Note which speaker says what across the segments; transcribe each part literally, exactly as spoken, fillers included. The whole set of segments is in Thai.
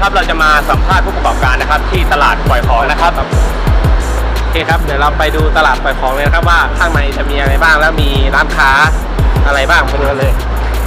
Speaker 1: ครับเราจะมาสัมภาษณ์ผู้ประกอบการนะครับที่ตลาดปล่อยของนะครับโอเคครับเดี๋ยวเราไปดูตลาดปล่อยของเลยนะครับว่าข้างในจะมีอะไรบ้างแล้วมีร้านค้าอะไรบ้างไปดูกันเลย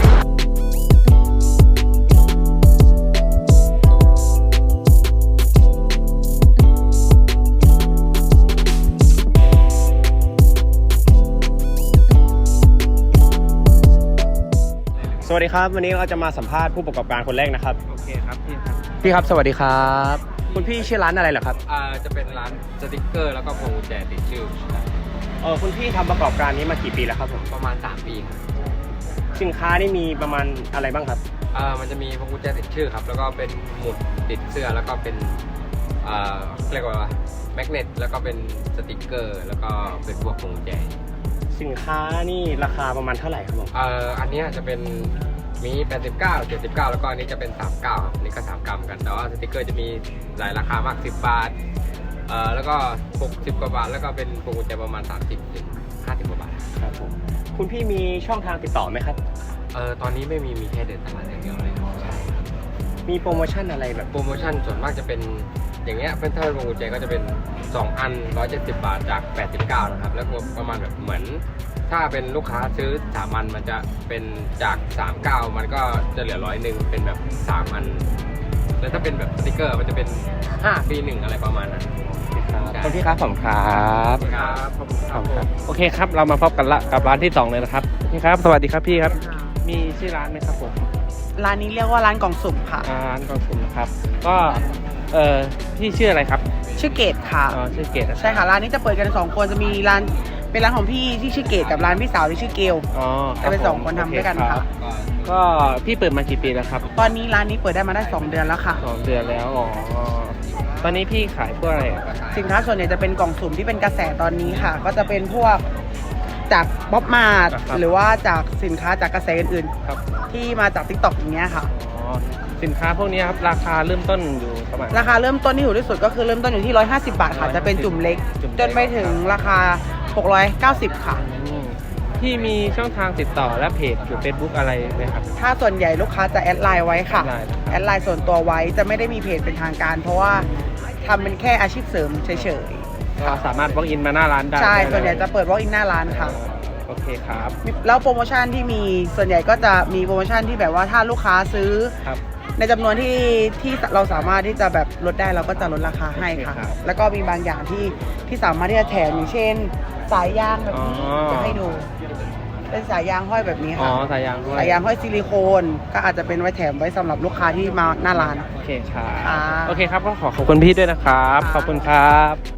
Speaker 1: สวัสดีครับวันนี้เราจะมาสัมภาษณ์ผู้ประกอบการคนแรกนะครับโอเคครับพี่ครับพี่ครับสวัสดีครับคุณพี่ชื่อร้านอะไรเหรอครับ
Speaker 2: อ่าจะเป็นร้านสติกเกอร์แล้วก็พวงกุญแจติดชื่อ
Speaker 1: เออคุณพี่ทำประกอบการนี้มากี่ปีแล้วครับผม
Speaker 2: ประมาณสามปีครับ
Speaker 1: สินค้านี่มีประมาณอะไรบ้างครับ
Speaker 2: อ่ามันจะมีพวงกุญแจติดชื่อครับแล้วก็เป็นหมุดติดเสื้อแล้วก็เป็นอ่าเรียกว่าแมกเนตแล้วก็เป็นสติกเกอร์แล้วก็เป็นพวกพวงกุญแจ
Speaker 1: สินค้านี่ราคาประมาณเท่าไหร่ครับผม
Speaker 2: เอ่ออันนี้จะเป็นมีแปดสิบเก้า เจ็ดสิบเก้าแล้วก็อันนี้จะเป็นสามสิบเก้าครับนี่ก็สามกรัมกันแต่ว่าสติกเกอร์จะมีหลายราคามากสิบบาทเอ่อแล้วก็หกสิบกว่าบาทแล้วก็เป็นพวงกุญแจประมาณสามสิบถึงห้าสิบกว่าบาท
Speaker 1: ครับผมคุณพี่มีช่องทางติดต่อไหมครับ
Speaker 2: เออตอนนี้ไม่มีมีแค่เดินตลาดอย่างเดียวเลยใช่
Speaker 1: มีโปรโมชั่นอะไรแบบ
Speaker 2: โปรโมชั่นส่วนมากจะเป็นอย่างเงี้ยเป็นถ้าเป็นพวงกุญแจก็จะเป็นสองอันหนึ่งร้อยเจ็ดสิบบาทจากแปดสิบเก้านะครับแล้วก็ประมาณแบบเหมือนถ้าเป็นลูกค้าซื้อสามอันมันจะเป็นจากสามสิบเก้ามันก็จะเหลือร้อยหนึ่งเป็นแบบสามอันแล้วถ้าเป็นแบบสติกเกอร์มันจะเป็นห้าฟรีหนึ่งอะไรประมาณนั้น
Speaker 1: คุณพี่ครับผมครับ
Speaker 2: ครับขอบคุณครับ
Speaker 1: โอเคครับเรามาพบกันละกับร้านที่สองเลยนะครับนี่ครับสวัสดีครับพี่ครับมีชื่อร้านไหมครับผม
Speaker 3: ร้านนี้เรียกว่าร้านกล่องสุ่มค่ะ
Speaker 1: ร้านกล่องสุ่มนะครับก็เออพี่ชื่ออะไรครับ
Speaker 3: ชื่อเกตค่ะ
Speaker 1: อ๋อชื่อเกต
Speaker 3: ใช่ค่ะร้านนี้จะเปิดกันสองคนจะมีร้านเป็นร้านของพี่ที่ชื่อเกตกับร้านพี่สาวที่ชื่อเกล
Speaker 1: อ๋อ
Speaker 3: จะเป็นสองคนทำด้วยกันค่ะ
Speaker 1: ก็พี่เปิดมากี่ปีแล้วครับ
Speaker 3: ตอนนี้ร้านนี้เปิดได้มาได้สองเดือนแล้วค่ะ
Speaker 1: สองเดือนแล้วอ๋อตอนนี้พี่ขายพวกอะไร
Speaker 3: สินค้าส่วนใหญ่จะเป็นกล่องสุ่มที่เป็นกระแสตอนนี้ค่ะก็จะเป็นพวกจากบ๊อบมาร์ทหรือว่าจากสินค้าจากกระแสอื่นๆที่มาจาก ติ๊กต็อก อย่างเงี้ยค่ะ
Speaker 1: อ๋อสินค้าพวกนี้ครับราคาเริ่มต้นอยู่ประมาณ
Speaker 3: ราคาเริ่มต้นที่ถูกที่สุดก็คือเริ่มต้นอยู่ที่หนึ่งร้อยห้าสิบบาทค่ะจะเป็นจุ่มเล็กจนไปถึงราคาหกร้อยเก้าสิบค่ะ
Speaker 1: ที่มีช่องทางติดต่อและเพจหรือ Facebook อะไรไหมครับ
Speaker 3: ถ้าส่วนใหญ่ลูกค้าจะแอดไลน์ไว้ค่ะแอดไลน์ส่วนตัวไว้จะไม่ได้มีเพจเป็นทางการเพราะว่าทำเป็นแค่อาชีพเสริมเฉย
Speaker 1: ๆก็สามารถ walk in มาหน้าร้านได้
Speaker 3: ใช่ส่วนใหญ่จะเปิด walk in หน้าร้านค่ะ
Speaker 1: โอเคครับ
Speaker 3: แล้วโปรโมชั่นที่มีส่วนใหญ่ก็จะมีโปรโมชั่นที่แบบว่าถ้าลูกค้าซื้อในจำนวนที่ที่เราสามารถที่จะแบบลดได้เราก็จะลดราคาให้ค่ะแล้วก็มีบางอย่างที่ที่สามารถที่จะแถมอย่างเช่นสายยางแบบนี้จะให้ดูเป็นสายยางห้อยแบบนี้ค่ะ
Speaker 1: อ๋อสายยางห้อย
Speaker 3: สายยางห้อยซิลิโคนก็อาจจะเป็นไว้แถมไว้สำหรับลูกค้าที่มาหน้าร้าน
Speaker 1: โอเคครับโอเคครับก็ขอขอบคุณพี่ด้วยนะครับขอบคุณครับ